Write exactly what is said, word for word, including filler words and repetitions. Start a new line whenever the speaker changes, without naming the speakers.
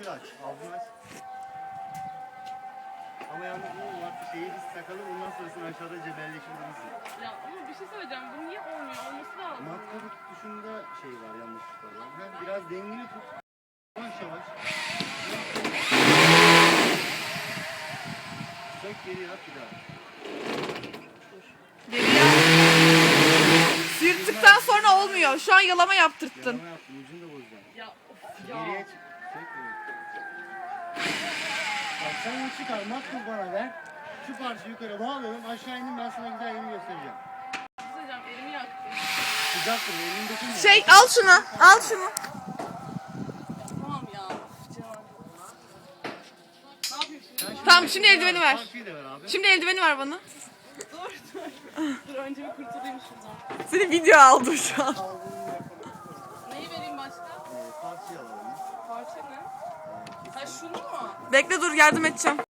aç, ağzını aç. Ama yalnız bu vakti şeyi biz takalım, ondan sonrasını aşağıda cebelleşebiliriz.
Ya ama bir şey söyleyeceğim. Bu niye olmuyor? Olması lazım.
Matkabı tutuşunda şey var, yanlışlıkla var. Ha, biraz dengeli tut. Yavaş yavaş. Sök geriye at bir daha.
Geriye. Sıyırttıktan sonra olmuyor. Şu an yalama yaptırttın.
Yalama yaptım, ucunu da bozacağım.
Ya of ya.
Geriye çık. Sök geriye. Bak sen onu çıkar, matkabı bana ver. Şu parçayı yukarı bağlayalım, aşağı indim, ben sana güzel yerini göstereceğim.
Bir şey söyleyeceğim. Elimi yaktı.
Sıcaktır, elini dokunma.
Şey al şunu. Al şunu.
Tamam ya. Of Cemal. Ne yapayım şimdi?
Tamam şimdi eldiveni ver.
Parçayı da ver abi.
Şimdi eldiveni ver bana.
Dur dur. Dur önce bir kurtulayım şuradan.
Seni video aldım şu an.
Neyi vereyim başka?
Ee, parçayı alalım.
Parça ne? Ha şunu mu?
Bekle dur yardım edeceğim.